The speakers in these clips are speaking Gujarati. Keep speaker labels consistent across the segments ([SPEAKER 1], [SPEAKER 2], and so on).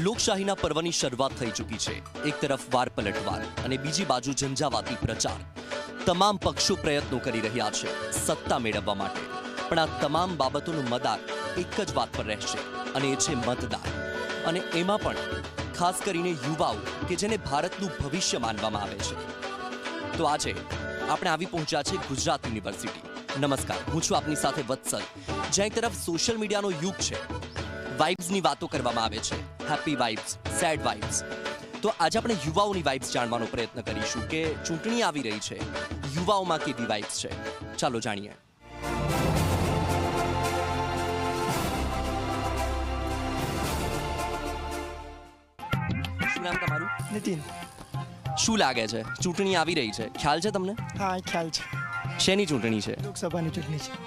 [SPEAKER 1] લોકશાહીના પર્વની શરૂઆત થઈ ચૂકી છે. એક તરફ વાર પલટવાર અને બીજી બાજુ ઝંઝાવાતી પ્રચાર. તમામ પક્ષો પ્રયત્નો કરી રહ્યા છે સત્તા મેળવવા માટે, પણ આ તમામ બાબતોનું મદાર એક જ વાત પર રહેશે અને એ છે મતદાર. અને એમાં પણ ખાસ કરીને યુવાઓ કે જેને ભારતનું ભવિષ્ય માનવામાં આવે છે. તો આજે આપણે આવી પહોંચ્યા છે ગુજરાત યુનિવર્સિટી. નમસ્કાર, હું છું આપની સાથે વત્સલ. જ્યાં એક તરફ સોશિયલ મીડિયાનો યુગ છે, વાઇબ્સની વાતો કરવામાં આવે છે, હેપી વાઇબ્સ, સેડ વાઇબ્સ. તો આજે આપણે યુવાઓની વાઇબ્સ જાણવાનો પ્રયત્ન કરીશું કે ચૂંટણી આવી રહી છે, યુવાઓમાં કેવી વાઇબ્સ છે. ચાલો જાણીએ. શું નામ તમારું?
[SPEAKER 2] નીતિન.
[SPEAKER 1] શું લાગે છે, ચૂંટણી આવી રહી છે, ખ્યાલ છે તમને?
[SPEAKER 2] હા, ખ્યાલ છે.
[SPEAKER 1] શેની ચૂંટણી છે?
[SPEAKER 2] લોકસભાની ચૂંટણી છે.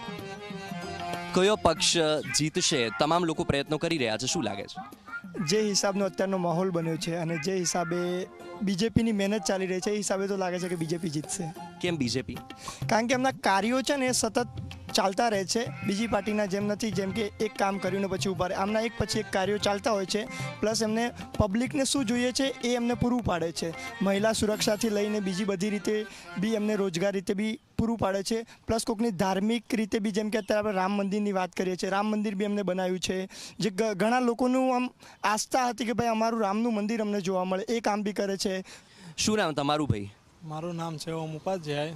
[SPEAKER 1] કયો પક્ષ જીતશે? તમામ લોકો પ્રયત્નો કરી રહ્યા છે. શું લાગે છે?
[SPEAKER 2] જે હિસાબનો અત્યારનો માહોલ બન્યો છે અને જે હિસાબે બીજેપીની મહેનત ચાલી રહી છે, એ હિસાબે તો લાગે છે કે બીજેપી જીતશે.
[SPEAKER 1] કેમ બીજેપી?
[SPEAKER 2] કારણ કે એમના કાર્યો છે ને એ સતત ચાલતા રહે છે. બીજી પાર્ટીના જેમ નથી, જેમ કે એક કામ કર્યું ને પછી ઉભા રહે. આમના એક પછી એક કાર્યો ચાલતા હોય છે. પ્લસ એમને પબ્લિકને શું જોઈએ છે એ એમને પૂરું પાડે છે. મહિલા સુરક્ષાથી લઈને બીજી બધી રીતે બી એમને રોજગાર રીતે બી પૂરું પાડે છે. પ્લસ કોઈકની ધાર્મિક રીતે બી, જેમ કે અત્યારે આપણે રામ મંદિરની વાત કરીએ છીએ, રામ મંદિર બી એમને બનાવ્યું છે. જે ઘણા લોકોનું આમ આસ્થા હતી કે ભાઈ અમારું રામનું મંદિર અમને જોવા મળે, એ કામ બી કરે છે.
[SPEAKER 1] શું નામ તમારું ભાઈ?
[SPEAKER 3] મારું નામ છે ઓમ ઉપાધ્યાય.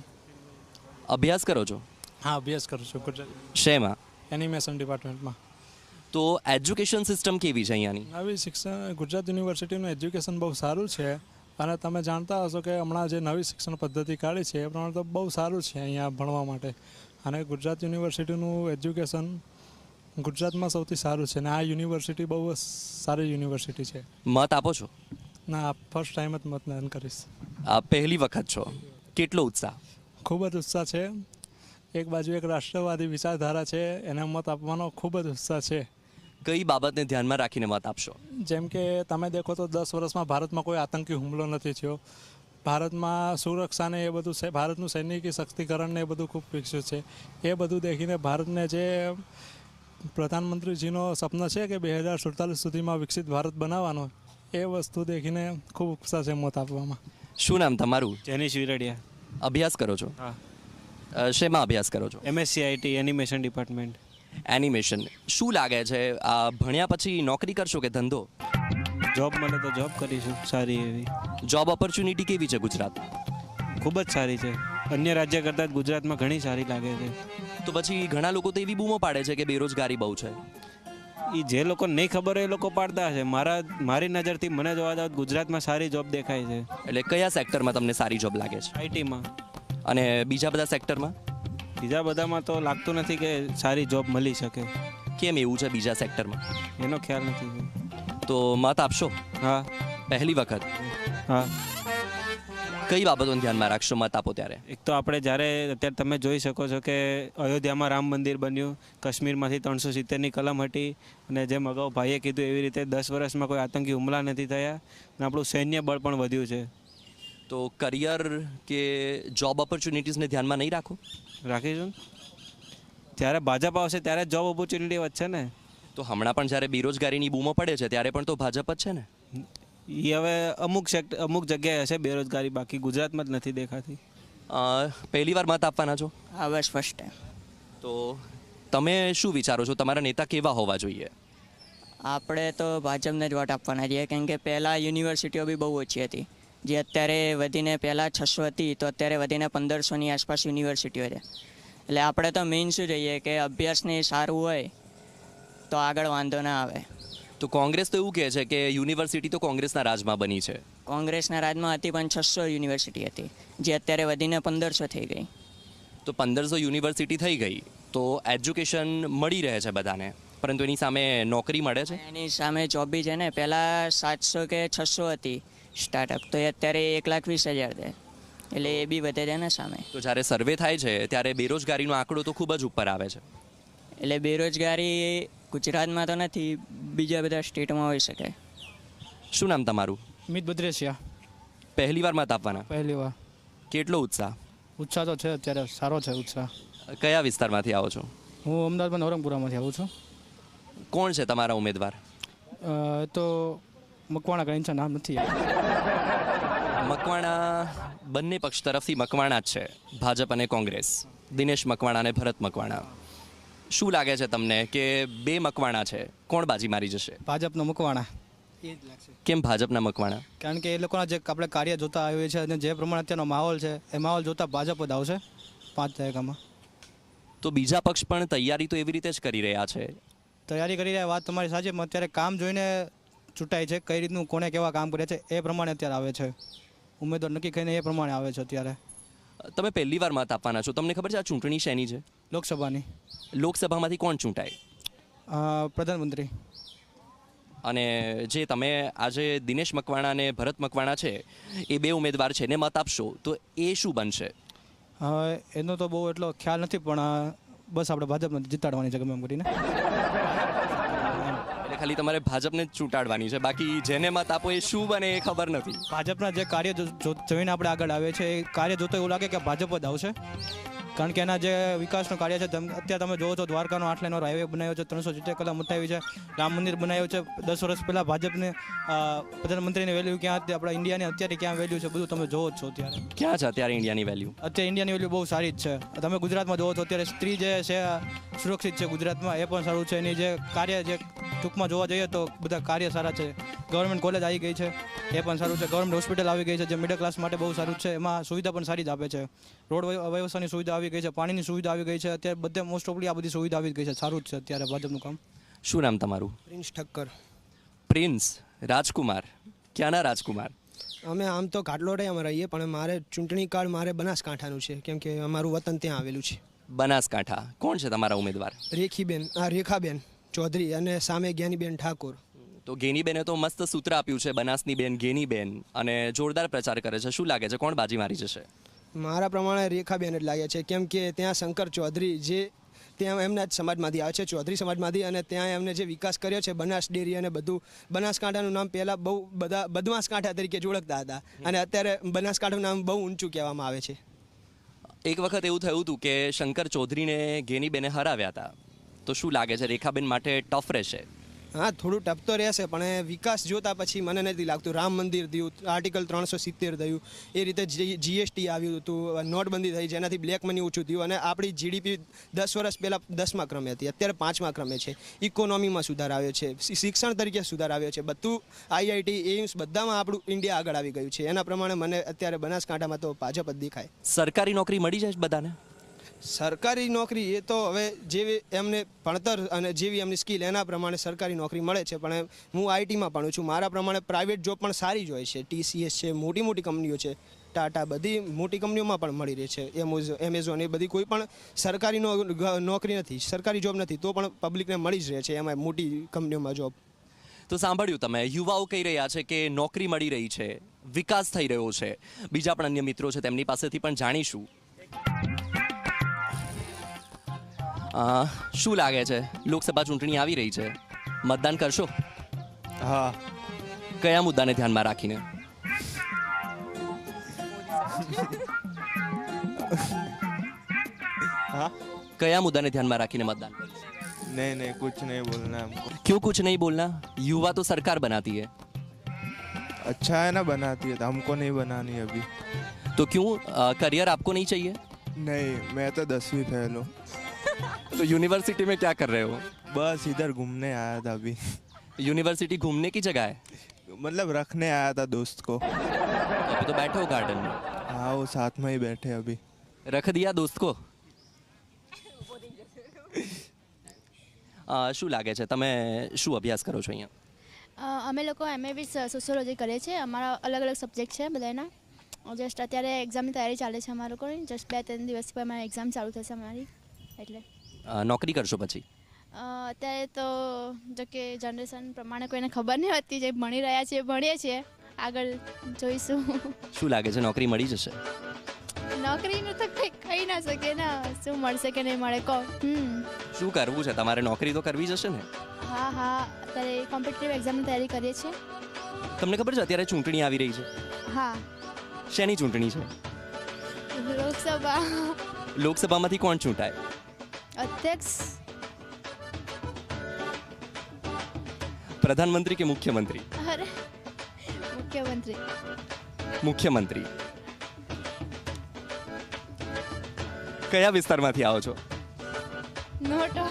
[SPEAKER 1] અભ્યાસ કરો છો?
[SPEAKER 3] હા, અભ્યાસ કરું છું ગુજરાત
[SPEAKER 1] શેમાં?
[SPEAKER 3] એનિમેશન ડિપાર્ટમેન્ટમાં.
[SPEAKER 1] તો એજ્યુકેશન સિસ્ટમ કેવી છે અહીંયાની?
[SPEAKER 3] નવી શિક્ષણ ગુજરાત યુનિવર્સિટીનું એજ્યુકેશન બહુ સારું છે. અને તમે જાણતા હશો કે હમણાં જે નવી શિક્ષણ પદ્ધતિ કાઢી છે એ પ્રમાણે તો બહુ સારું છે અહીંયા ભણવા માટે. અને ગુજરાત યુનિવર્સિટીનું એજ્યુકેશન ગુજરાતમાં સૌથી સારું છે. અને આ યુનિવર્સિટી બહુ સારી યુનિવર્સિટી છે.
[SPEAKER 1] મત આપો છો?
[SPEAKER 3] ના, ફર્સ્ટ ટાઈમ જ મતદાન કરીશ.
[SPEAKER 1] આ પહેલી વખત છો. કેટલો ઉત્સાહ?
[SPEAKER 3] ખૂબ જ ઉત્સાહ છે. એક બાજુ એક રાષ્ટ્રવાદી વિચારધારા છે, એને મત આપવાનો ખૂબ જ ઉત્સાહ છે.
[SPEAKER 1] કઈ બાબતને ધ્યાનમાં રાખીને મત આપશો?
[SPEAKER 3] જેમ કે તમે દેખો તો 10 વર્ષમાં ભારતમાં કોઈ આતંકી હુમલો નથી થયો. ભારતમાં સુરક્ષાને એ બધું છે, ભારતનું સૈનિકી શક્તિકરણને એ બધું ખૂબ વિકસ્યું છે. એ બધું દેખીને ભારતને જે પ્રધાનમંત્રીજીનો સપના છે કે 2047 સુધીમાં વિકસિત ભારત બનાવવાનો, એ વસ્તુ દેખીને ખૂબ ઉત્સાહ છે મત આપવામાં.
[SPEAKER 1] શું નામ તમારું?
[SPEAKER 4] જેનીશ વિરડિયા.
[SPEAKER 1] અભ્યાસ કરો છો?
[SPEAKER 4] હા.
[SPEAKER 1] શેમાં અભ્યાસ કરો છો?
[SPEAKER 4] MSc IT animation department.
[SPEAKER 1] Animation. શું લાગે છે, આ ભણ્યા પછી નોકરી કરશો કે ધંધો?
[SPEAKER 4] જોબ મળે તો જોબ કરીશું સારી એવી.
[SPEAKER 1] જોબ ઓપોર્ચ્યુનિટી કેવી છે ગુજરાત?
[SPEAKER 4] ખૂબ જ સારી છે. અન્ય રાજ્ય કરતાં જ ગુજરાતમાં ઘણી સારી લાગે છે.
[SPEAKER 1] તો પછી ઘણા લોકો તો એવી બૂમો પાડે છે કે બેરોજગારી બહુ છે.
[SPEAKER 4] એ જે લોકો નહીં ખબર હોય એ લોકો પાડતા હશે. મારી નજરથી મને જોવા જાવ ગુજરાતમાં સારી જોબ દેખાય છે.
[SPEAKER 1] એટલે કયા સેક્ટરમાં તમને સારી જોબ લાગે છે?
[SPEAKER 4] IT માં.
[SPEAKER 1] અને બીજા બધા સેક્ટરમાં?
[SPEAKER 4] બીજા બધામાં તો લાગતું નથી કે સારી જોબ મળી શકે.
[SPEAKER 1] કેમ એવું છે બીજા સેક્ટરમાં?
[SPEAKER 4] એનો ખ્યાલ નથી.
[SPEAKER 1] તો મત આપશો?
[SPEAKER 4] હા.
[SPEAKER 1] પહેલી વખત?
[SPEAKER 4] હા.
[SPEAKER 1] કઈ બાબતોને ધ્યાનમાં રાખશો મત આપો ત્યારે?
[SPEAKER 4] એક તો આપણે જ્યારે અત્યારે તમે જોઈ શકો છો કે અયોધ્યામાં રામ મંદિર બન્યું, કાશ્મીરમાંથી 370ની કલમ હતી, અને જેમ અગાઉ ભાઈએ કીધું એવી રીતે 10 વર્ષમાં કોઈ આતંકી હુમલા નથી થયા, અને આપણું સૈન્ય બળ પણ વધ્યું છે.
[SPEAKER 1] તો કરિયર કે જોબ ઓપોર્ચ્યુનિટીઝને ધ્યાનમાં નહીં રાખો?
[SPEAKER 4] રાખીશું. જ્યારે ભાજપ આવશે ત્યારે જોબ ઓપોર્ચ્યુનિટી વધશે ને.
[SPEAKER 1] તો હમણાં પણ જ્યારે બેરોજગારીની બૂમો પડે છે ત્યારે પણ તો ભાજપ જ છે ને.
[SPEAKER 4] એ હવે અમુક જગ્યાએ હશે બેરોજગારી, બાકી ગુજરાતમાં જ નથી દેખાતી.
[SPEAKER 1] પહેલી વાર મત આપવાના છો?
[SPEAKER 5] હા, બસ ફર્સ્ટ ટાઈમ.
[SPEAKER 1] તો તમે શું વિચારો છો, તમારા નેતા કેવા હોવા જોઈએ?
[SPEAKER 5] આપણે તો ભાજપને જ વોટ આપવાના છીએ, કેમ કે પહેલાં યુનિવર્સિટીઓ બી બહુ ઓછી હતી, જે અત્યારે વધીને પહેલાં 600 હતી તો અત્યારે વધીને 1500ની આસપાસ યુનિવર્સિટીઓ છે. એટલે આપણે તો મેઇન શું જોઈએ કે અભ્યાસને સારું હોય તો આગળ વાંધો ના આવે.
[SPEAKER 1] તો કોંગ્રેસ તો એવું કહે છે કે યુનિવર્સિટી તો કોંગ્રેસના રાજમાં બની છે.
[SPEAKER 5] કોંગ્રેસના રાજમાં હતી પણ 600 યુનિવર્સિટી હતી, જે અત્યારે વધીને 1500 થઈ ગઈ.
[SPEAKER 1] તો 1500 યુનિવર્સિટી થઈ ગઈ તો એજ્યુકેશન મળી રહે છે બધાને, પરંતુ એની સામે નોકરી મળે છે?
[SPEAKER 5] એની સામે જોબ બી છે ને. પહેલાં 700 કે 600 હતી સ્ટાર્ટઅપ, તો એ અત્યારે 1,20,000 છે. એટલે એ બી વધે છે ને સામે.
[SPEAKER 1] તો જ્યારે સર્વે થાય છે ત્યારે બેરોજગારીનો આંકડો તો ખૂબ જ ઉપર આવે છે.
[SPEAKER 5] એટલે બેરોજગારી ગુજરાતમાં તો નથી, બીજા બધા સ્ટેટમાં હોઈ શકે.
[SPEAKER 1] શું નામ તમારું?
[SPEAKER 6] મિત બદ્રેશિયા.
[SPEAKER 1] પહેલી વાર મત આપવાના?
[SPEAKER 6] પહેલી વાર.
[SPEAKER 1] કેટલો ઉત્સાહ?
[SPEAKER 6] ઉત્સાહ તો છે, અત્યારે સારો છે ઉત્સાહ.
[SPEAKER 1] કયા વિસ્તારમાંથી આવો છો?
[SPEAKER 6] હું અમદાવાદમાં નવરંગપુરામાંથી આવું છું.
[SPEAKER 1] કોણ છે તમારા ઉમેદવાર?
[SPEAKER 6] તો મકવાણા કરીને છે, નામ નથી યાદ.
[SPEAKER 1] મકવાણા બંને પક્ષ તરફથી મકવાણા જ છે, ભાજપ અને કોંગ્રેસ. દિનેશ મકવાણા અને ભરત મકવાણા. શું લાગે છે તમને કે બે મકવાણા છે, કોણ બાજી મારી જશે?
[SPEAKER 6] ભાજપનો મકવાણા એ જ લાગશે.
[SPEAKER 1] કેમ ભાજપના મકવાણા?
[SPEAKER 6] કારણ કે એ લોકોના જે આપણે કાર્ય જોતા આવ્યું છે અને જે પ્રમાણે અત્યારનો માહોલ છે એ માહોલ જોતા ભાજપ જ આવશે 5 દાયકામાં.
[SPEAKER 1] તો બીજા પક્ષ પણ તૈયારી તો એવી રીતે જ કરી રહ્યા છે.
[SPEAKER 6] તૈયારી કરી રહ્યા, વાત તમારી સાચી. અત્યારે કામ જોઈને ચૂંટાય છે, કઈ રીતનું કોને કેવા કામ કર્યા છે એ પ્રમાણે અત્યારે આવે છે. ઉમેદવાર નક્કી કરીને એ પ્રમાણે આવે છે અત્યારે.
[SPEAKER 1] તમે પહેલી વાર મત આપવાના છો, તમને ખબર છે આ ચૂંટણી શેની છે?
[SPEAKER 6] લોકસભાની.
[SPEAKER 1] લોકસભામાંથી કોણ ચૂંટાય?
[SPEAKER 6] પ્રધાનમંત્રી.
[SPEAKER 1] અને જે તમે આજે દિનેશ મકવાણા અને ભરત મકવાણા છે એ બે ઉમેદવાર છે ને મત આપશો તો એ શું બનશે?
[SPEAKER 6] એનો તો બહુ એટલો ખ્યાલ નથી, પણ બસ આપણે ભાજપને જીતાડવાની છે ગમે એમ કરીને.
[SPEAKER 1] એટલે ખાલી તમારે ભાજપને જ ચૂંટાડવાની છે, બાકી જેને મત આપો એ શું બને એ ખબર નથી.
[SPEAKER 6] ભાજપના જે કાર્ય જોઈને આપણે આગળ આવે છે એ કાર્ય જોતો એવું લાગે કે ભાજપ જ આવશે. કારણ કે એના જે વિકાસનું કાર્ય છે, અત્યારે તમે જોવો છો દ્વારકાનો 8 લેનવાળો હાઈવે બનાવ્યો છે, 370 કલમ ઉઠાવી છે, રામ મંદિર બનાવ્યું છે. 10 વર્ષ પહેલાં ભાજપને પ્રધાનમંત્રીની વેલ્યુ ક્યાં હતી, આપણા ઇન્ડિયાની અત્યારે ક્યાં વેલ્યુ છે, બધું તમે જોવો જ છો. અત્યારે
[SPEAKER 1] ક્યાં છે અત્યારે ઇન્ડિયાની વેલ્યુ?
[SPEAKER 6] અત્યારે ઇન્ડિયાની વેલ્યુ બહુ સારી જ છે. તમે ગુજરાતમાં જોવો છો અત્યારે સ્ત્રી જે છે સુરક્ષિત છે ગુજરાતમાં, એ પણ સારું છે. એની જે કાર્ય જે ટૂંકમાં જોવા જઈએ તો બધા કાર્ય સારા છે. ગવર્મેન્ટ કોલેજ આવી ગઈ છે, એ પણ સારું છે. ગવર્મેન્ટ હોસ્પિટલ આવી ગઈ છે, જે મિડલ ક્લાસ માટે બહુ સારું છે. એમાં સુવિધા પણ સારી જ આપે છે. રોડ વ્યવસ્થાની સુવિધા આવી ગઈ છે, પાણીની સુવિધા આવી ગઈ છે. અત્યારે બધે મોસ્ટ ઓફલી આ બધી સુવિધા આવી ગઈ છે. સારું જ છે અત્યારે ભાજપનું કામ.
[SPEAKER 1] શું નામ તમારું?
[SPEAKER 7] પ્રિન્સ ઠક્કર.
[SPEAKER 1] પ્રિન્સ રાજકુમાર. ક્યાંના રાજકુમાર?
[SPEAKER 7] અમે આમ તો ઘાટલોડિયામાં રહીએ, પણ મારે ચૂંટણી કાર્ડ મારે બનાસકાંઠાનું છે, કેમ કે અમારું વતન ત્યાં આવેલું છે.
[SPEAKER 1] બનાસકાંઠા. કોણ છે તમારા ઉમેદવાર?
[SPEAKER 7] રેખાબેન ચૌધરી અને સામે જ્ઞાનીબેન ઠાકોર.
[SPEAKER 1] તો ગેનીબેને તો મસ્ત સૂત્ર આપ્યું છે, બનાસની બેન ગેનીબેન, અને જોરદાર પ્રચાર કરે છે. શું લાગે છે કોણ બાજી મારી જશે?
[SPEAKER 7] મારા પ્રમાણે રેખાબેન જ લાગે છે, કેમ કે ત્યાં શંકર ચૌધરી જે ત્યાં એમના જ સમાજમાંથી આવે છે, ચૌધરી સમાજમાંથી, અને ત્યાં એમને જે વિકાસ કર્યો છે બનાસ ડેરી અને બધું. બનાસકાંઠાનું નામ પહેલાં બહુ બધા બદમાસકાંઠા તરીકે જ ઓળખતા હતા, અને અત્યારે બનાસકાંઠાનું નામ બહુ ઊંચું કહેવામાં આવે છે.
[SPEAKER 1] એક વખત એવું થયું હતું કે શંકર ચૌધરીને ગેનીબેને હરાવ્યા હતા. તો શું લાગે છે રેખાબેન માટે ટફ રહેશે?
[SPEAKER 7] હા, થોડું ટફ તો રહેશે, પણ વિકાસ જોતા પછી મને નથી લાગતું. રામ મંદિર થયું, આર્ટિકલ 370 થયું, એ રીતે જીએસટી આવ્યું હતું, નોટબંધી થઈ, જેનાથી બ્લેક મની ઓછું થયું, અને આપણી જીડીપી 10 વર્ષ પહેલાં 10મા ક્રમે હતી, અત્યારે 5મા ક્રમે છે. ઇકોનોમીમાં સુધાર આવ્યો છે, શિક્ષણ તરીકે સુધાર આવ્યો છે, બધું આઈઆઈટી એમ્સ બધામાં આપણું ઇન્ડિયા આગળ આવી ગયું છે. એના પ્રમાણે મને અત્યારે બનાસકાંઠામાં તો ભાજપ જ દેખાય.
[SPEAKER 1] સરકારી નોકરી મળી જાય બધાને?
[SPEAKER 7] સરકારી નોકરી એ તો હવે જેવી એમને ભણતર અને જેવી એમની સ્કિલ એના પ્રમાણે સરકારી નોકરી મળે છે, પણ હું આઈટીમાં ભણું છું. મારા પ્રમાણે પ્રાઇવેટ જોબ પણ સારી જ હોય છે. TCS છે, મોટી મોટી કંપનીઓ છે, ટાટા, બધી મોટી કંપનીઓમાં પણ મળી રહે છે. એમેઝોન, એ બધી કોઈ પણ સરકારી નોકરી નથી, સરકારી જોબ નથી, તો પણ પબ્લિકને મળી જ રહે છે એમાં મોટી કંપનીઓમાં જોબ.
[SPEAKER 1] તો સાંભળ્યું તમે, યુવાઓ કહી રહ્યા છે કે નોકરી મળી રહી છે, વિકાસ થઈ રહ્યો છે. બીજા પણ અન્ય મિત્રો છે, તેમની પાસેથી પણ જાણીશું. શું લાગે છે, લોકસભા ચૂંટણી આવી રહી છે, મતદાન કરશો?
[SPEAKER 8] હા.
[SPEAKER 1] કયા મુદ્દાને ધ્યાનમાં રાખીને?
[SPEAKER 8] हाँ?
[SPEAKER 1] कया मुद्दा ने ध्यान में रखीने मतदान करें?
[SPEAKER 8] नहीं कुछ नहीं बोलना है हमको।
[SPEAKER 1] क्यों कुछ नहीं बोलना? युवा तो सरकार बनाती है।
[SPEAKER 8] अच्छा है ना, बनाती है, तो हमको नहीं बनानी अभी।
[SPEAKER 1] तो क्यों करियर आपको नहीं चाहिए?
[SPEAKER 8] नहीं, मैं तो 10वीं फेल हूँ।
[SPEAKER 1] तो यूनिवर्सिटी में क्या कर रहे हो?
[SPEAKER 8] बस इधर घूमने आया था अभी।
[SPEAKER 1] यूनिवर्सिटी घूमने की जगह है?
[SPEAKER 8] मतलब रखने आया था दोस्त को।
[SPEAKER 1] अभी तो बैठे हो गार्डन में?
[SPEAKER 8] हाँ, वो साथ में ही बैठे अभी।
[SPEAKER 1] रख दिया दोस्त को? શું લાગે છે, તમે શું અભ્યાસ કરો છો અહીંયા?
[SPEAKER 9] અમે લોકો MA સોશિયોલોજી કરીએ છીએ. અમારા અલગ અલગ સબ્જેક્ટ છે બધાના. જસ્ટ અત્યારે એક્ઝામની તૈયારી ચાલે છે અમારા લોકોની. જસ્ટ 2-3 દિવસ પછી અમારી એક્ઝામ ચાલુ થશે અમારી. એટલે
[SPEAKER 1] નોકરી કરશો પછી?
[SPEAKER 9] અત્યારે તો જો કે જનરેશન પ્રમાણે કોઈને ખબર નહીં હોતી. જે ભણી રહ્યા છીએ ભણીએ છીએ, આગળ જોઈશું.
[SPEAKER 1] શું લાગે છે, નોકરી મળી જશે?
[SPEAKER 9] નોકરીનું તો કંઈ કહી ના શકે ને, શું મળશે કે નહીં મળે કહો.
[SPEAKER 1] શું કરવું છે તમારે? નોકરી તો કરવી જશે ને?
[SPEAKER 9] હા, અત્યારે કોમ્પિટિટિવ એક્ઝામની તૈયારી કરીએ છીએ.
[SPEAKER 1] તમને ખબર છે અત્યારે ચૂંટણી આવી રહી છે?
[SPEAKER 9] હા.
[SPEAKER 1] શેની ચૂંટણી છે?
[SPEAKER 9] લોકસભા.
[SPEAKER 1] લોકસભામાંથી કોણ ચૂંટાય?
[SPEAKER 9] અધ્યક્ષ.
[SPEAKER 1] પ્રધાનમંત્રી કે મુખ્યમંત્રી?
[SPEAKER 9] અરે મુખ્યમંત્રી.
[SPEAKER 1] મુખ્યમંત્રી. કયા વિસ્તારમાંથી આવો છો?
[SPEAKER 9] નોટો.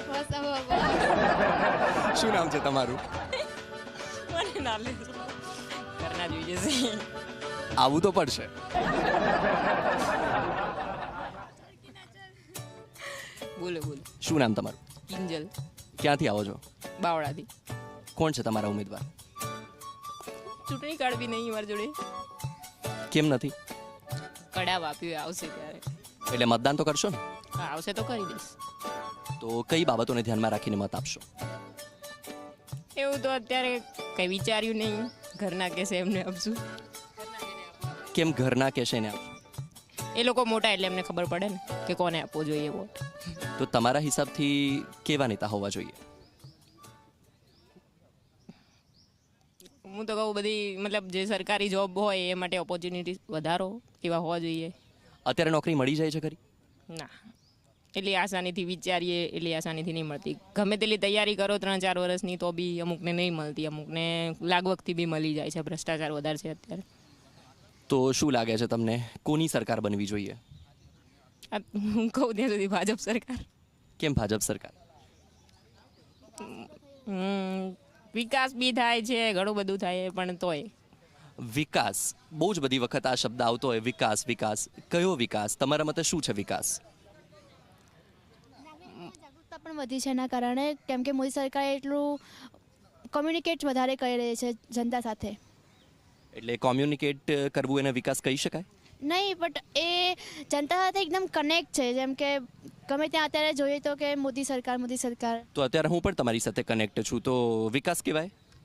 [SPEAKER 1] શું નામ છે તમારું? આવું તો પડશે.
[SPEAKER 10] બોલો બોલો.
[SPEAKER 1] શું નામ તમારું?
[SPEAKER 10] કિંજલ.
[SPEAKER 1] ક્યાંથી આવો છો?
[SPEAKER 10] બાવળાથી.
[SPEAKER 1] કોણ છે તમારા ઉમેદવાર?
[SPEAKER 10] ચૂંટણી કાર્ડ બી નહીં મારી જોડે.
[SPEAKER 1] કેમ નથી?
[SPEAKER 10] કડાવ આપ્યું આવશે ત્યારે.
[SPEAKER 1] એટલે મતદાન તો કરશો ને?
[SPEAKER 10] હા આવશે તો કરી દઈશ.
[SPEAKER 1] તો કઈ બાબતોને ધ્યાનમાં રાખીને મત આપશો?
[SPEAKER 10] એવું તો અત્યારે કંઈ વિચાર્યું નહીં. ઘરના કહેશે એમને આપશું.
[SPEAKER 1] કેમ ઘરના કહેશે ને આપશો?
[SPEAKER 10] એ લોકો મોટા એટલે એમને ખબર પડે ને કે કોને આપવો જોઈએ વોટ.
[SPEAKER 1] તો તમારા હિસાબથી કેવા નેતા હોવા જોઈએ?
[SPEAKER 10] હું તો કહું બધી મતલબ જે સરકારી જોબ હોય એ માટે ઓપોર્ચ્યુનિટી વધારો એવા હોવા જોઈએ.
[SPEAKER 1] અત્યારે નોકરી મળી જાય છે ખરી?
[SPEAKER 10] ના એટલી આસાનીથી વિચારીએ એટલી આસાનીથી નહીં મળતી. ગમે તેટલી તૈયારી કરો 3-4 વર્ષની તો બી અમુકને નહીં મળતી. અમુકને લાગવગથી બી મળી જાય છે. ભ્રષ્ટાચાર વધારે છે અત્યારે.
[SPEAKER 1] તો શું લાગે છે તમને કોની સરકાર બનવી જોઈએ?
[SPEAKER 10] હું કહું ત્યાં સુધી ભાજપ સરકાર.
[SPEAKER 1] કેમ ભાજપ સરકાર?
[SPEAKER 10] વિકાસ બી થાય છે ઘણું બધું થાય પણ તોય.
[SPEAKER 1] વિકાસ બહુ જ બધી વખત આ શબ્દ આવતો હોય, વિકાસ વિકાસ. કયો વિકાસ? તમારા મતે શું છે વિકાસ?
[SPEAKER 9] જાગૃતતા પણ વધી છે એના કારણે, કેમ કે મોદી સરકારે એટલું કોમ્યુનિકેટ વધારે કરી રહી છે જનતા સાથે.
[SPEAKER 1] એટલે કોમ્યુનિકેટ કરવું એને વિકાસ કહી શકાય?
[SPEAKER 9] નહીં, બટ એ જનતા સાથે એકદમ કનેક્ટ છે. જેમ કે ગમે ત્યાં અત્યારે જોઈએ તો કે મોદી સરકાર મોદી સરકાર.
[SPEAKER 1] તો અત્યારે હું પણ તમારી સાથે કનેક્ટ છું, તો વિકાસ કહેવાય?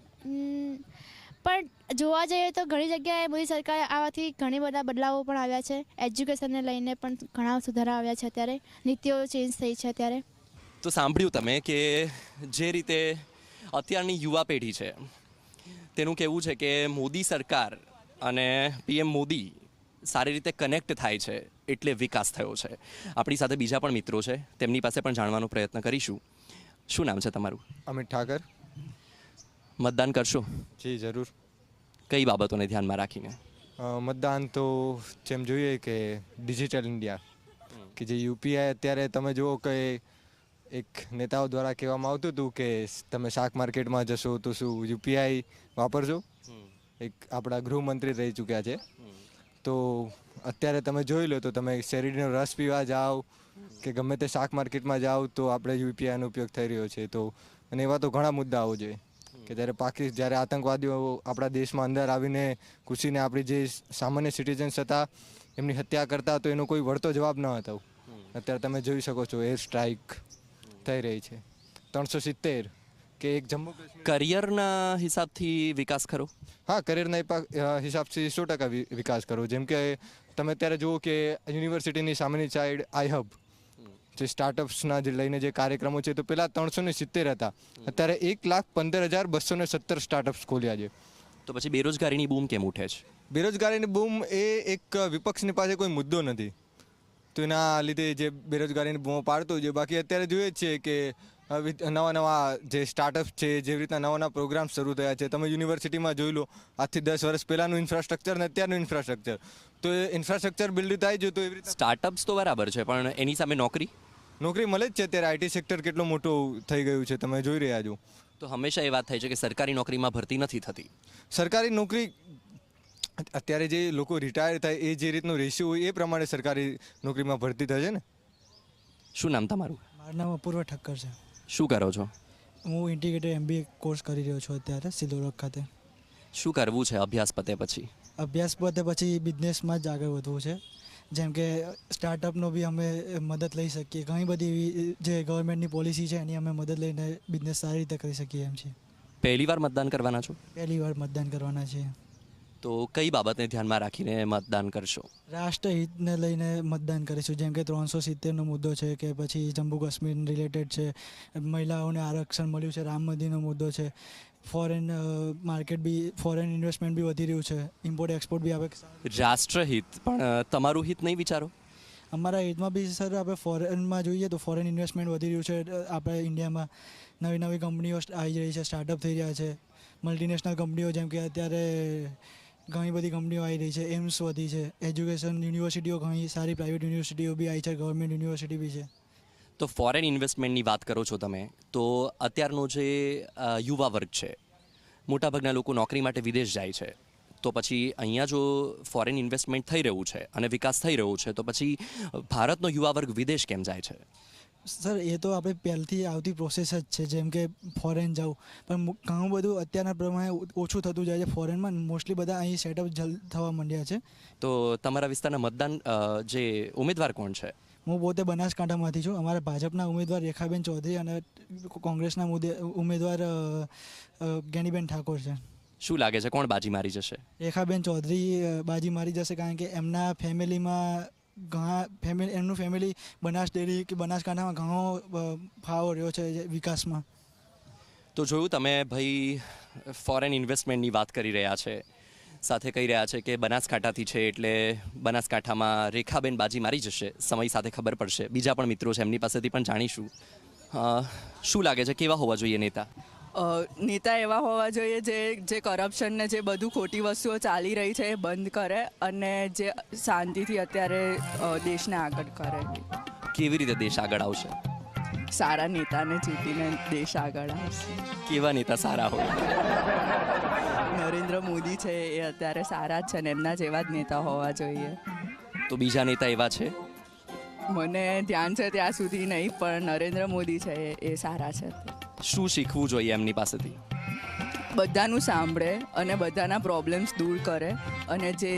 [SPEAKER 9] પણ જોવા જઈએ તો ઘણી જગ્યાએ મોદી સરકાર આવવાથી ઘણી બધા બદલાવો પણ આવ્યા છે. એજ્યુકેશનને લઈને પણ ઘણા સુધારા આવ્યા છે. અત્યારે નીતિઓ ચેન્જ થઈ છે અત્યારે.
[SPEAKER 1] તો સાંભળ્યું તમે કે જે રીતે અત્યારની યુવા પેઢી છે તેનું કહેવું છે કે મોદી સરકાર અને પીએમ મોદી સારી રીતે કનેક્ટ થાય છે એટલે વિકાસ થયો છે. આપણી સાથે બીજા પણ મિત્રો છે, તેમની પાસે પણ જાણવાનો પ્રયત્ન કરીશું. શું નામ છે તમારું?
[SPEAKER 11] અમિત ઠાકર.
[SPEAKER 1] મતદાન કરશો?
[SPEAKER 11] જી જરૂર.
[SPEAKER 1] કઈ બાબતોને ધ્યાનમાં રાખીને?
[SPEAKER 11] મતદાન તો જેમ જોઈએ કે ડિજિટલ ઇન્ડિયા, કે જે યુપીઆઈ અત્યારે તમે જુઓ કે એક નેતાઓ દ્વારા કહેવામાં આવતું હતું કે તમે શાક માર્કેટમાં જશો તો શું યુપીઆઈ વાપરજો. એક આપણા ગૃહમંત્રી રહી ચૂક્યા છે. તો અત્યારે તમે જોઈ લો તો તમે શેરડીનો રસ પીવા જાઓ કે ગમે તે શાક માર્કેટમાં જાઓ તો આપણે યુપીઆઈનો ઉપયોગ થઈ રહ્યો છે. તો અને એવા તો ઘણા મુદ્દાઓ છે કે જ્યારે આતંકવાદીઓ આપણા દેશમાં અંદર આવીને ઘૂસીને આપણી જે સામાન્ય સિટીઝન્સ હતા એમની હત્યા કરતા તો એનો કોઈ વળતો જવાબ ન હતો. અત્યારે તમે જોઈ શકો છો એર સ્ટ્રાઇક થઈ રહી છે. 370 કે એક જમ્મુ કાશ્મીર.
[SPEAKER 1] કરિયરના હિસાબથી વિકાસ ખરો?
[SPEAKER 11] હા, કરિયરના હિસાબથી 100% વિકાસ કરો. જેમ કે તમે અત્યારે જુઓ કે યુનિવર્સિટીની સામેની સાઈડ આઈહબ જે સ્ટાર્ટઅપ્સના જે લઈને જે કાર્યક્રમો છે તો પહેલાં 370 હતા, અત્યારે 1,15,217 સ્ટાર્ટઅપ્સ ખોલ્યા છે.
[SPEAKER 1] તો પછી બેરોજગારીની બૂમ કેમ ઉઠે છે?
[SPEAKER 11] બેરોજગારીની બૂમ એ એક વિપક્ષની પાસે કોઈ મુદ્દો નથી તો એના લીધે જે બેરોજગારીની બૂમો પાડતો છે. બાકી અત્યારે જોઈએ જ છે કે નવા જે સ્ટાર્ટઅપ છે, જેવી રીતના નવા પ્રોગ્રામ શરૂ થયા છે. તમે યુનિવર્સિટીમાં જોઈ લો આજથી 10 વર્ષ પહેલાંનું ઇન્ફ્રાસ્ટ્રક્ચર અને અત્યારનું ઇન્ફ્રાસ્ટ્રક્ચર, તો એ ઇન્ફ્રાસ્ટ્રક્ચર બિલ્ડ થાય છે તો એવી રીતે
[SPEAKER 1] સ્ટાર્ટઅપ્સ તો બરાબર છે પણ એની સામે નોકરી
[SPEAKER 11] મળે જ છે. અત્યારે આઈટી સેક્ટર કેટલું મોટું થઈ ગયું છે તમે જોઈ રહ્યા છો.
[SPEAKER 1] તો હંમેશા એ વાત થાય છે કે સરકારી નોકરીમાં ભરતી નથી થતી.
[SPEAKER 11] સરકારી નોકરી અત્યારે જે લોકો રિટાયર થાય એ જે રીતનું રેશિયો હોય એ પ્રમાણે સરકારી નોકરીમાં ભરતી થશે ને.
[SPEAKER 1] શું નામ તમારું?
[SPEAKER 12] મારું નામ અપૂર્વ ઠક્કર છે.
[SPEAKER 1] શું કરો છો?
[SPEAKER 12] હું ઇન્ટિગ્રેટેડ MBA કોર્સ કરી રહ્યો છું અત્યારે સિલોરક ખાતે.
[SPEAKER 1] શું કરવું છે અભ્યાસ પતે પછી?
[SPEAKER 12] અભ્યાસ પતે પછી બિઝનેસમાં જ આગળ વધવું છે. જેમ કે સ્ટાર્ટઅપનો બી અમે મદદ લઈ શકીએ. ઘણી બધી એવી જે ગવર્મેન્ટની પોલિસી છે એની અમે મદદ લઈને બિઝનેસ સારી રીતે કરી શકીએ એમ છીએ.
[SPEAKER 1] પહેલી વાર મતદાન કરવાના છો?
[SPEAKER 12] પહેલી વાર મતદાન કરવાના છીએ.
[SPEAKER 1] તો કઈ બાબતને ધ્યાનમાં રાખીને મતદાન કરશો?
[SPEAKER 12] રાષ્ટ્રહિતને લઈને મતદાન કરીશું. જેમ કે 370નો મુદ્દો છે કે પછી જમ્મુ કાશ્મીર રિલેટેડ છે, મહિલાઓને આરક્ષણ મળ્યું છે, રામ મંદિરનો મુદ્દો છે, ફોરેન માર્કેટ બી ફોરેન ઇન્વેસ્ટમેન્ટ બી વધી રહ્યું છે, ઇમ્પોર્ટ એક્સપોર્ટ બી આવે.
[SPEAKER 1] રાષ્ટ્રહિત પણ તમારું હિત નહીં વિચારો?
[SPEAKER 12] અમારા હિતમાં બી સર આપણે ફોરેનમાં જોઈએ તો ફોરેન ઇન્વેસ્ટમેન્ટ વધી રહ્યું છે. આપણે ઇન્ડિયામાં નવી કંપનીઓ આવી રહી છે, સ્ટાર્ટઅપ થઈ રહ્યા છે. મલ્ટીનેશનલ કંપનીઓ જેમ કે અત્યારે ઘણી બધી કંપનીઓ આવી રહી છે, એમ્સ વધી છે, એજ્યુકેશન યુનિવર્સિટીઓ ઘણી સારી પ્રાઇવેટ યુનિવર્સિટીઓ બી આવી છે, ગવર્મેન્ટ યુનિવર્સિટી બી છે.
[SPEAKER 1] તો ફોરેન ઇન્વેસ્ટમેન્ટની વાત કરો છો તમે, તો અત્યારનો જે યુવા વર્ગ છે, મોટાભાગના લોકો નોકરી માટે વિદેશ જાય છે, તો પછી અહીંયા જો ફોરેન ઇન્વેસ્ટમેન્ટ થઈ રહ્યું છે અને વિકાસ થઈ રહ્યો છે, તો પછી ભારતનો યુવા વર્ગ વિદેશ કેમ જાય છે?
[SPEAKER 12] સર એ તો આપણે પહેલથી આવતી પ્રોસેસ જ છે, જેમ કે ફોરેન જવું, પણ ઘણું બધું અત્યારના પ્રમાણે ઓછું થતું જાય છે ફોરેનમાં. મોસ્ટલી બધા અહીં સેટઅપ થવા માંડ્યા છે.
[SPEAKER 1] તો તમારા વિસ્તારના મતદાન જે ઉમેદવાર કોણ છે?
[SPEAKER 12] હું પોતે બનાસકાંઠામાંથી છું. અમારા ભાજપના ઉમેદવાર રેખાબેન ચૌધરી અને કોંગ્રેસના ઉમેદવાર જ્ઞાનીબેન ઠાકોર છે.
[SPEAKER 1] શું લાગે છે કોણ બાજી મારી જશે?
[SPEAKER 12] રેખાબેન ચૌધરી બાજી મારી જશે, કારણ કે એમના ફેમિલીમાં એમનું ફેમિલી બનાસ ડેરી કે બનાસકાંઠામાં ઘણો ફાળો રહ્યો છે વિકાસમાં.
[SPEAKER 1] તો જોયું તમે, ભાઈ ફોરેન ઇન્વેસ્ટમેન્ટની વાત કરી રહ્યા છે, સાથે કહી રહ્યા છે કે બનાસકાંઠાથી છે એટલે બનાસકાંઠામાં રેખાબેન બાજી મારી જશે. સમય સાથે ખબર પડશે. બીજા પણ મિત્રો છે, એમની પાસેથી પણ જાણીશું. શું લાગે છે કેવા હોવા જોઈએ નેતા?
[SPEAKER 13] નેતા એવા હોવા જોઈએ જે કરપ્શન ને જે બધું ખોટી વસ્તુઓ ચાલી રહી છે એ બંધ કરે અને જે શાંતિથી અત્યારે દેશને આગળ કરે.
[SPEAKER 1] કેવી રીતે દેશ આગળ આવશે?
[SPEAKER 13] સારા નેતાને ચૂંટીને દેશ આગળ આવશે.
[SPEAKER 1] કેવા નેતા સારા હોય?
[SPEAKER 13] નરેન્દ્ર મોદી છે એ અત્યારે સારા જ છે ને એમના જેવા જ નેતા હોવા જોઈએ.
[SPEAKER 1] તો બીજા નેતા એવા છે?
[SPEAKER 13] મને ધ્યાન છે ત્યાં સુધી નહીં, પણ નરેન્દ્ર મોદી છે એ સારા છે.
[SPEAKER 1] શું શીખવું જોઈએ એમની પાસેથી?
[SPEAKER 13] બધાનું સાંભળે અને બધાના પ્રોબ્લેમ્સ દૂર કરે અને જે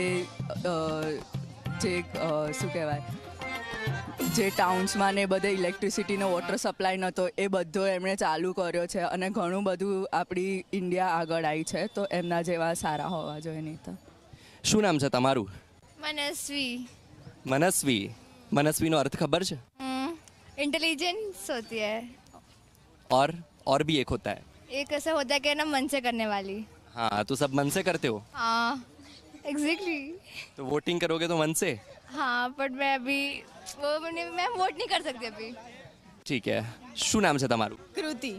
[SPEAKER 13] શું કહેવાય, જે ટાઉન્સમાં ને બધે ઇલેક્ટ્રિસિટીનો વોટર સપ્લાય નહોતો એ બધો એમણે ચાલુ કર્યો છે અને ઘણું બધું આપણી ઇન્ડિયા આગળ આવી છે. તો એમના જેવા સારા હોવા જોઈએ નેતા.
[SPEAKER 1] શું નામ છે તમારું?
[SPEAKER 14] मनस्वी.
[SPEAKER 1] મનસ્વી. મનસ્વીનો અર્થ ખબર છે?
[SPEAKER 14] इंटेलिजेंस होती है.
[SPEAKER 1] और भी एक होता है.
[SPEAKER 14] एक ऐसा होता है कि ना मन से करने वाली.
[SPEAKER 1] हाँ, तो सब मन से करते हो?
[SPEAKER 14] हाँ एग्जैक्टली.
[SPEAKER 1] तो वोटिंग करोगे तो मन से?
[SPEAKER 14] हाँ बट मैं अभी मैं वोट नहीं कर सकती अभी.
[SPEAKER 1] ठीक है. શું નામ છે તમારું?
[SPEAKER 15] કૃતિ.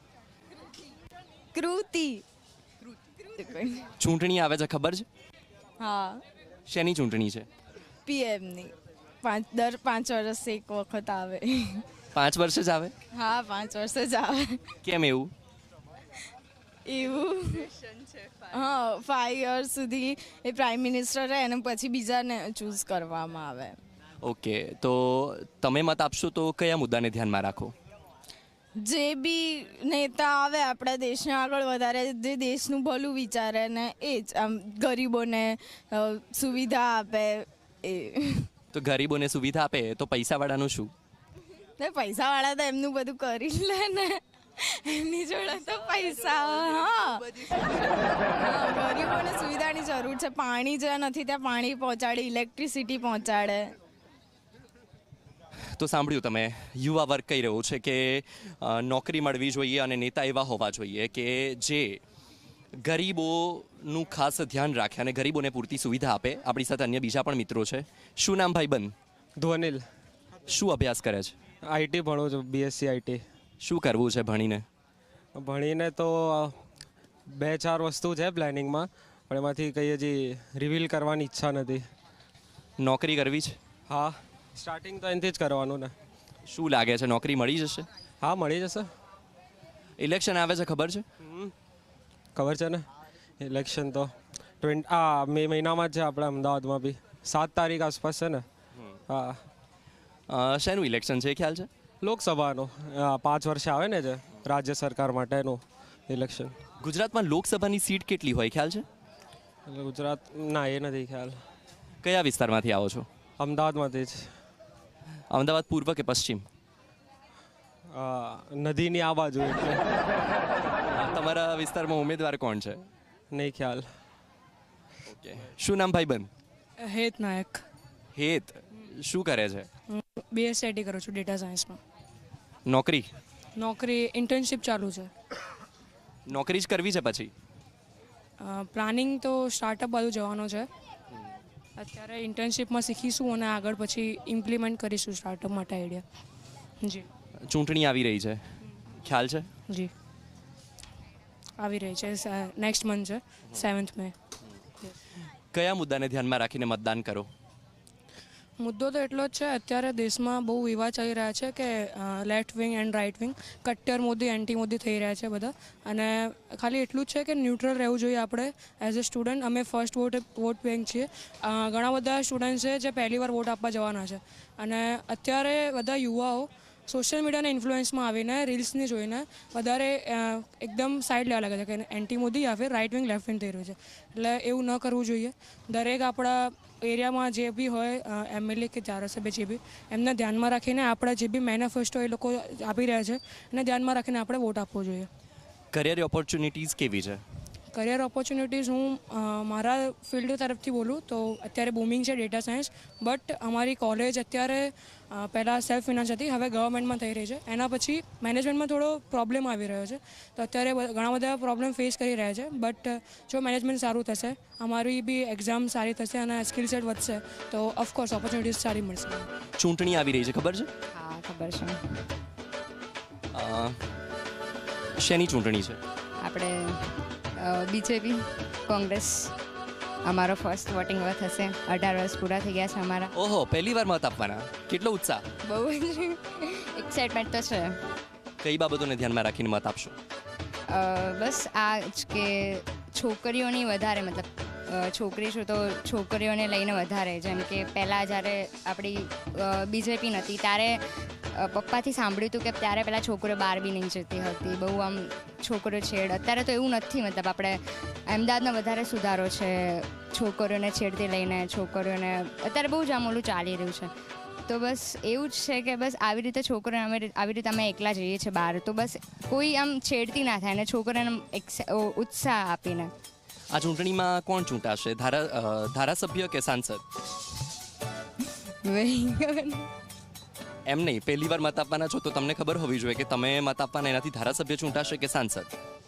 [SPEAKER 15] કૃતિ.
[SPEAKER 1] ચૂંટણી આવે છે ખબર છે?
[SPEAKER 15] હા.
[SPEAKER 1] શેની ચૂંટણી છે?
[SPEAKER 15] પીએમની. દર 5 વર્ષે એક વખત આવે.
[SPEAKER 1] 5 વર્ષે જ આવે?
[SPEAKER 15] હા 5 વર્ષે જ આવે.
[SPEAKER 1] કેમ એવું?
[SPEAKER 15] એવું હા 5 યર્સ સુધી એ પ્રાઇમ મિનિસ્ટર રહે અને પછી બીજાને ચૂઝ કરવામાં આવે.
[SPEAKER 1] ઓકે, તો તમે મત આપશો તો કયા મુદ્દાને ધ્યાનમાં રાખો?
[SPEAKER 15] જે બી નેતા આવે આપણા દેશને આગળ વધારે, જે દેશનું ભલું વિચારે ને એ જ આમ ગરીબોને સુવિધા આપે એ.
[SPEAKER 1] તો ગરીબોને સુવિધા આપે તો પૈસાવાળાનું શું?
[SPEAKER 15] ને પૈસાવાળા તો એમનું બધું કરી લે ને, એમની જોડે તો પૈસા. હા ગરીબોને સુવિધાની જરૂર છે. પાણી જ્યાં નથી ત્યાં પાણી પહોંચાડે, ઇલેક્ટ્રિસિટી પહોંચાડે.
[SPEAKER 1] તો સાંભળ્યું તમે, યુવા વર્ગ કહી રહ્યો છે કે નોકરી મળવી જોઈએ અને નેતા એવા હોવા જોઈએ કે જે ગરીબોનું ખાસ ધ્યાન રાખે અને ગરીબોને પૂરતી સુવિધા આપે. આપણી સાથે અન્ય બીજા પણ મિત્રો છે. શું નામ ભાઈબંધ?
[SPEAKER 16] ધ્વનિલ.
[SPEAKER 1] શું અભ્યાસ કરે છે?
[SPEAKER 16] આઈટી ભણું છું, બીએસસી આઈટી.
[SPEAKER 1] શું કરવું છે ભણીને?
[SPEAKER 16] ભણીને તો 2-4 વસ્તુ છે પ્લાનિંગમાં, પણ એમાંથી કંઈ હજી રિવીલ કરવાની ઈચ્છા નથી.
[SPEAKER 1] નોકરી કરવી છે?
[SPEAKER 16] હા, સ્ટાર્ટિંગ તો એનાથી જ કરવાનું ને.
[SPEAKER 1] શું લાગે છે નોકરી મળી જશે?
[SPEAKER 16] હા મળી જશે.
[SPEAKER 1] ઇલેક્શન આવે છે ખબર છે?
[SPEAKER 16] ખબર છે ને. ઇલેક્શન તો મે મહિનામાં જ છે આપણે અમદાવાદમાં બી. 7 તારીખ આસપાસ છે ને. હા.
[SPEAKER 1] શેનું ઇલેક્શન છે ખ્યાલ છે?
[SPEAKER 16] લોકસભાનું 5 વર્ષે આવે ને જે રાજ્ય સરકાર માટેનું ઇલેક્શન.
[SPEAKER 1] ગુજરાતમાં લોકસભાની સીટ કેટલી હોય ખ્યાલ છે?
[SPEAKER 16] ગુજરાત ના એ નથી ખ્યાલ.
[SPEAKER 1] કયા વિસ્તારમાંથી આવો છો?
[SPEAKER 16] અમદાવાદમાંથી જ.
[SPEAKER 1] અમદાવાદ પૂર્વ કે પશ્ચિમ?
[SPEAKER 16] નદીની આ બાજુ. એટલે
[SPEAKER 1] તમારા વિસ્તારમાં ઉમેદવાર કોણ છે?
[SPEAKER 16] નહીં ખ્યાલ.
[SPEAKER 1] ઓકે. શું નામ ભાઈબંધ?
[SPEAKER 17] હેત નાયક.
[SPEAKER 1] હેત શું કરે છે?
[SPEAKER 17] બીએસઆઈટી કરું છું, ડેટા સાયન્સમાં.
[SPEAKER 1] નોકરી?
[SPEAKER 17] નોકરી ઇન્ટર્નશિપ ચાલુ છે.
[SPEAKER 1] નોકરી જ કરવી છે પછી?
[SPEAKER 17] પ્લાનિંગ તો સ્ટાર્ટઅપ બાજુ જવાનો છે. અત્યારે ઇન્ટર્નશિપમાં શીખીશું અને આગળ પછી ઇમ્પ્લિમેન્ટ કરીશું સ્ટાર્ટઅપ માટે આઈડિયા. જી.
[SPEAKER 1] ચૂંટણી આવી રહી છે, ખ્યાલ છે?
[SPEAKER 17] જી. આવી રહી છે, નેક્સ્ટ મંથ છે 7th મે.
[SPEAKER 1] કયા મુદ્દાને ધ્યાનમાં રાખીને મતદાન કરો?
[SPEAKER 17] મુદ્દો તો એટલો જ છે, અત્યારે દેશમાં બહુ વિવાદ ચાલી રહ્યા છે કે left wing and right wing, કટ્ટર મોદી એન્ટી મોદી થઈ રહ્યા છે બધા, અને ખાલી એટલું જ છે કે ન્યુટ્રલ રહેવું જોઈએ આપણે એઝ અ સ્ટુડન્ટ. અમે ફર્સ્ટ વોટ બેંક છીએ. ઘણા બધા સ્ટુડન્ટ છે જે પહેલી વાર વોટ આપવા જવાના છે, અને અત્યારે બધા યુવાઓ સોશિયલ મીડિયાના ઇન્ફ્લુઅન્સમાં આવીને રીલ્સને જોઈને વધારે એકદમ સાઈડ લેવા લાગે છે કે એન્ટી મોદી યા ફિર રાઇટ વિંગ લેફ્ટ વિંગ થઈ રહ્યું છે. એટલે એવું ન કરવું જોઈએ. દરેક આપણા એરિયામાં જે બી હોય MLA કે ધારાસભ્ય જે બી, એમને ધ્યાનમાં રાખીને આપણા જે બી મેનિફેસ્ટો એ લોકો આપી રહ્યા છે એને ધ્યાનમાં રાખીને આપણે વોટ આપવો જોઈએ.
[SPEAKER 1] કરિયર ઓપોર્ચ્યુનિટીઝ કેવી છે?
[SPEAKER 17] કરિયર ઓપોર્ચ્યુનિટીઝ હું મારા ફિલ્ડ તરફથી બોલું તો અત્યારે બૂમિંગ છે ડેટા સાયન્સ, બટ અમારી કોલેજ અત્યારે પહેલાં સેલ્ફ ફિનાન્સ હતી, હવે ગવર્મેન્ટમાં થઈ રહી છે. એના પછી મેનેજમેન્ટમાં થોડો પ્રોબ્લેમ આવી રહ્યો છે, તો અત્યારે ઘણા બધા પ્રોબ્લેમ ફેસ કરી રહ્યા છે. બટ જો મેનેજમેન્ટ સારું થશે, અમારી બી એક્ઝામ સારી થશે અને સ્કિલ સેટ વધશે તો ઓફકોર્સ ઓપોર્ચ્યુનિટીઝ સારી મળશે.
[SPEAKER 1] ચૂંટણી આવી રહી છે, ખબર છે?
[SPEAKER 18] હા, ખબર છે.
[SPEAKER 1] શેની ચૂંટણી છે?
[SPEAKER 18] આપણે બીજેપી, કોંગ્રેસ. અમારો ફર્સ્ટ વોટિંગ થશે. 18 વર્ષ પૂરા થઈ ગયા છે અમારા.
[SPEAKER 1] ઓહો, પહેલી વાર મત આપવાના, કેટલો ઉત્સાહ!
[SPEAKER 18] બહુ જ એક્સાઇટમેન્ટ તો છે.
[SPEAKER 1] કઈ બાબતોને ધ્યાનમાં રાખીને મત આપશો?
[SPEAKER 18] બસ આ જ કે છોકરીઓની વધારે, મતલબ છોકરી છું તો છોકરીઓને લઈને વધારે, જેમ કે પહેલાં જ્યારે આપણી બીજેપી નથી ત્યારે પપ્પાથી સાંભળ્યું હતું કે ત્યારે પહેલાં છોકરીઓ બહાર બી નહીં જતી હતી, બહુ આમ છોકરીઓ છેડ. અત્યારે તો એવું નથી, મતલબ આપણે અમદાવાદમાં વધારે સુધારો છે છોકરીઓને છેડથી લઈને. છોકરીઓને અત્યારે બહુ જ આમ ઓલું ચાલી રહ્યું છે. તો બસ એવું જ છે કે બસ આવી રીતે છોકરીઓને આવી રીતે અમે એકલા જઈએ છીએ બહાર, તો બસ કોઈ આમ છેડતી ના થાય અને છોકરીઓને ઉત્સાહ આપીને.
[SPEAKER 1] આ ચૂંટણીમાં કોણ ચૂંટાશે? ધારાસભ્ય કે સાંસદ? એમ નહીં, પહેલી વાર મત આપવાના છો તો તમને ખબર હોવી જોઈએ કે તમે મત આપવાના, એનાથી ધારાસભ્ય ચૂંટાશે કે સાંસદ?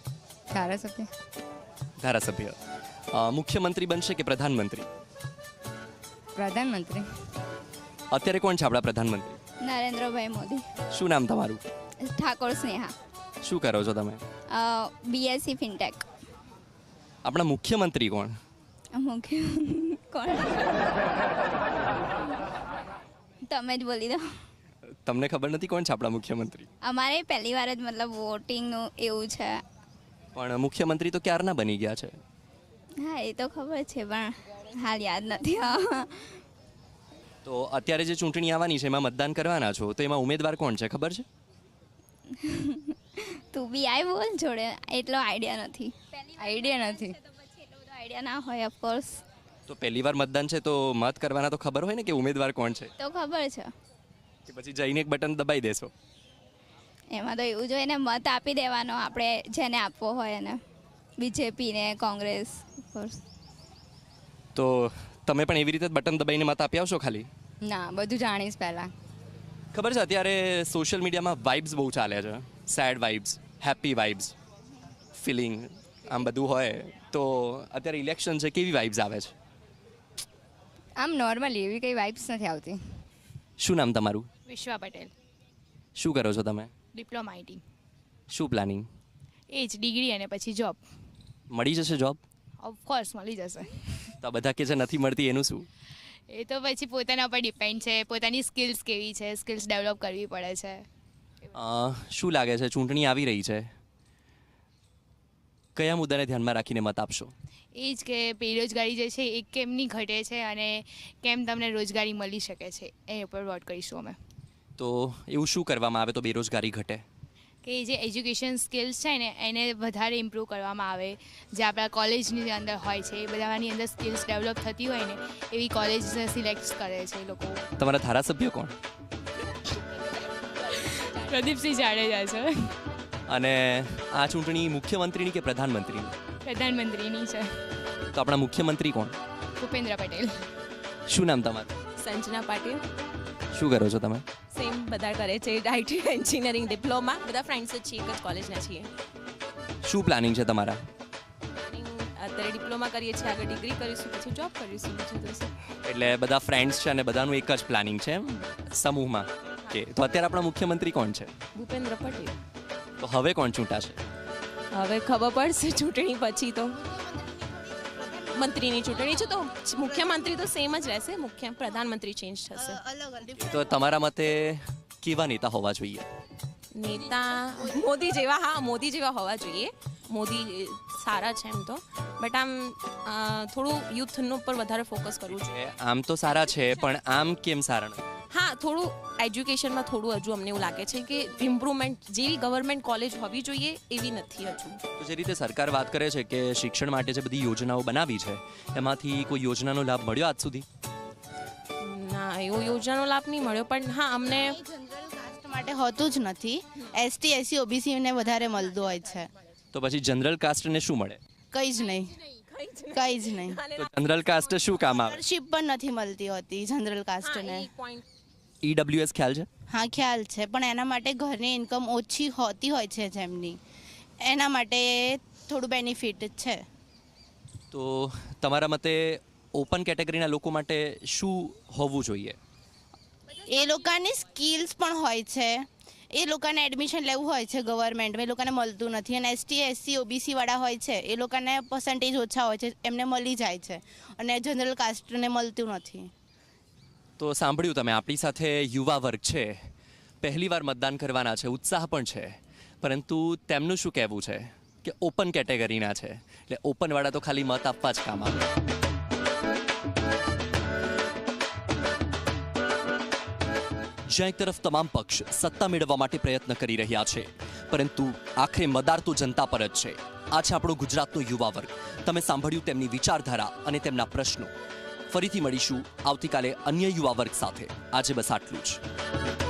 [SPEAKER 1] ધારાસભ્ય. મુખ્યમંત્રી બનશે કે પ્રધાનમંત્રી?
[SPEAKER 18] પ્રધાનમંત્રી.
[SPEAKER 1] અત્યારે કોણ છે આપણા પ્રધાનમંત્રી?
[SPEAKER 14] નરેન્દ્રભાઈ મોદી.
[SPEAKER 1] શું નામ તમારું?
[SPEAKER 14] ઠાકોર સ્નેહા.
[SPEAKER 1] શું કરો છો તમે?
[SPEAKER 14] BSc fintech.
[SPEAKER 1] આપણા મુખ્યમંત્રી કોણ?
[SPEAKER 14] કોણ? તમે જ બોલી દો.
[SPEAKER 1] તમને ખબર નથી કોણ છે આપણા મુખ્યમંત્રી?
[SPEAKER 14] અમારે પહેલી વાર જ મતલબ વોટિંગનું એવું છે.
[SPEAKER 1] પણ મુખ્યમંત્રી તો ક્યારના બની ગયા છે.
[SPEAKER 14] હા, એ તો ખબર છે પણ હાલ યાદ નથી.
[SPEAKER 1] તો અત્યારે જે ચૂંટણી આવવાની છે એમાં મતદાન કરવાના છો, તો એમાં ઉમેદવાર કોણ છે ખબર છે?
[SPEAKER 14] તું બી આય બોલ જોડે, એટલો આઈડિયા નથી. આઈડિયા ના હોય ઓફકોર્સ.
[SPEAKER 1] તો પહેલી વાર મતદાન છે તો મત કરવાના તો ખબર હોય ને કે ઉમેદવાર કોણ છે?
[SPEAKER 14] તો ખબર છે.
[SPEAKER 1] કે પછી જઈને એક બટન દબાઈ દેશો?
[SPEAKER 14] એમાં તો એવું જોઈએ ને, મત આપી દેવાનો આપણે જેને આપવો હોય એને, બીજેપી ને કોંગ્રેસ.
[SPEAKER 1] તો તમે પણ એવી રીતે બટન દબાઈને મત આપી આવશો ખાલી?
[SPEAKER 18] ના, બધું જાણીશ પહેલાં.
[SPEAKER 1] ખબર છે અત્યારે સોશિયલ મીડિયામાં વાઇબ્સ બહુ ચાલે છે, sad vibes, happy vibes, feeling, આમ બધું હોય. તો અત્યારે ઇલેક્શન છે, કેવી વાઇબ્સ આવે છે?
[SPEAKER 18] આમ નોર્મલી, એવી કંઈ વાઇબ્સ નથી આવતી.
[SPEAKER 1] શું નામ તમારું?
[SPEAKER 19] વિશ્વા પટેલ.
[SPEAKER 1] શું કરો છો તમે?
[SPEAKER 19] Diploma IT.
[SPEAKER 1] શું પ્લાનિંગ?
[SPEAKER 19] એ જ ડિગ્રી અને પછી જોબ.
[SPEAKER 1] મળી જશે જોબ?
[SPEAKER 19] ઓફકોર્સ મળી જશે.
[SPEAKER 1] તો આ બધા કે છે નથી મળતી, એનું શું?
[SPEAKER 19] એ તો પછી પોતાના પર ડિપેન્ડ છે, પોતાની સ્કિલ્સ કેવી છે, સ્કિલ્સ ડેવલપ કરવી પડે છે.
[SPEAKER 1] શું લાગે છે, ચૂંટણી આવી રહી છે, કયા મુદ્દાને ધ્યાનમાં રાખીને મત આપશો?
[SPEAKER 19] એ જ કે બેરોજગારી જે છે એ કેમની ઘટે છે અને કેમ તમને રોજગારી મળી શકે છે, એ ઉપર વોટ કરીશું અમે.
[SPEAKER 1] તો એવું શું કરવામાં આવે તો બેરોજગારી ઘટે?
[SPEAKER 19] કે જે એજ્યુકેશન સ્કિલ્સ છે ને એને વધારે ઇમ્પ્રૂવ કરવામાં આવે, જે આપણા કોલેજની અંદર હોય છે એ બધાની અંદર સ્કિલ્સ ડેવલપ થતી હોય ને એવી કોલેજ સિલેક્ટ કરે છે એ લોકો.
[SPEAKER 1] તમારા ધારાસભ્ય કોણ?
[SPEAKER 19] પ્રદીપસિંહ જાડેજા છે.
[SPEAKER 1] અને આ ચૂંટણી મુખ્યમંત્રીની કે પ્રધાનમંત્રીની?
[SPEAKER 19] પ્રધાનમંત્રીની છે.
[SPEAKER 1] તો આપણા મુખ્યમંત્રી કોણ?
[SPEAKER 19] ભૂપેન્દ્ર પટેલ.
[SPEAKER 1] શું નામ તમારું?
[SPEAKER 20] સંજના પાટીલ.
[SPEAKER 1] શું કરો છો તમે?
[SPEAKER 20] સેમ બધા કરે છે, IT એન્જિનિયરિંગ ડિપ્લોમા, બધા ફ્રેન્ડ્સ જ છીએ, એક જ કોલેજના છીએ.
[SPEAKER 1] શું પ્લાનિંગ છે તમારા?
[SPEAKER 20] અત્યારે ડિપ્લોમા કરીએ છીએ, આગળ ડિગ્રી કરીશું, પછી જોબ કરીશું. બીજું તો શું.
[SPEAKER 1] એટલે બધા ફ્રેન્ડ્સ છે અને બધાનું એક જ પ્લાનિંગ છે એમ સમૂહમાં? કે તો અત્યારે આપણા મુખ્યમંત્રી કોણ છે?
[SPEAKER 20] ભૂપેન્દ્ર પટેલ.
[SPEAKER 1] તો હવે કોણ ચૂંટાશે?
[SPEAKER 20] હવે ખબર પડશે ચૂંટણી પછી તો. મંત્રીની ચૂંટણી છે તો મુખ્યમંત્રી તો સેમ જ રહેશે, મુખ્ય પ્રધાનમંત્રી ચેન્જ થશે.
[SPEAKER 1] તો તમારા મતે કેવા નેતા હોવા જોઈએ?
[SPEAKER 20] નેતા મોદી જેવા, હા મોદી જેવા હોવા જોઈએ. મોદી સારા છે એમ તો, બટ આમ થોડું યુથનું ઉપર વધારે ફોકસ કરવું જોઈએ.
[SPEAKER 1] આમ તો સારા છે, પણ આમ કેમ સારા નથી?
[SPEAKER 20] હા, થોડું એજ્યુકેશનમાં થોડું હજુ અમને એવું લાગે છે કે ઇમ્પ્રુવમેન્ટ જેવી ગવર્મેન્ટ કોલેજ હોવી જોઈએ એવી નથી હજુ.
[SPEAKER 1] તો જે રીતે સરકાર વાત કરે છે કે શિક્ષણ માટે જે બધી યોજનાઓ બનાવી છે એમાંથી કોઈ યોજનાનો લાભ મળ્યો આજ સુધી?
[SPEAKER 20] ના, એવો યોજનાનો લાભ નહીં મળ્યો, પણ હા અમને
[SPEAKER 21] માટે હોતું જ નથી. એસટી એસસી ઓબીસીને વધારે મળતું હોય છે.
[SPEAKER 1] તો પછી જનરલ કાસ્ટને શું મળે?
[SPEAKER 21] કંઈ જ નહીં, કંઈ જ નહીં.
[SPEAKER 1] તો જનરલ કાસ્ટ શું કામ આવે?
[SPEAKER 21] સ્કોલરશિપ પણ નથી મળતી હોતી જનરલ કાસ્ટને.
[SPEAKER 1] ઈડબ્લ્યુએસ ખ્યાલ છે?
[SPEAKER 21] હા ખ્યાલ છે, પણ એના માટે ઘરની ઇન્કમ ઓછી હોતી હોય છે જેમની, એના માટે થોડું બેનિફિટ છે.
[SPEAKER 1] તો તમારા મતે ઓપન કેટેગરીના લોકો માટે શું હોવું જોઈએ?
[SPEAKER 21] એ લોકોની સ્કિલ્સ પણ હોય છે, એ લોકોને એડમિશન લેવું હોય છે ગવર્મેન્ટમાં, એ લોકોને મળતું નથી. અને એસટી એસસી ઓબીસી વાળા હોય છે એ લોકોને પર્સન્ટેજ ઓછા હોય છે, એમને મળી જાય છે, અને જનરલ કાસ્ટને મળતું નથી.
[SPEAKER 1] તો સાંભળ્યું તમે, આપણી સાથે યુવા વર્ગ છે, પહેલીવાર મતદાન કરવાના છે, ઉત્સાહ પણ છે, પરંતુ તેમનું શું કહેવું છે કે ઓપન કેટેગરીના છે એટલે ઓપનવાળા તો ખાલી મત આપવા જ કામ આવે. જ્યાં એક તરફ તમામ પક્ષ સત્તા મેળવવા માટે પ્રયત્ન કરી રહ્યા છે, પરંતુ આખરે મદાર તો જનતા પર જ છે. આ છે આપણો ગુજરાતનો યુવા વર્ગ. તમે સાંભળ્યું તેમની વિચારધારા અને તેમના પ્રશ્નો. ફરીથી મળીશું આવતીકાલે અન્ય યુવા વર્ગ સાથે. આજે બસ આટલું જ.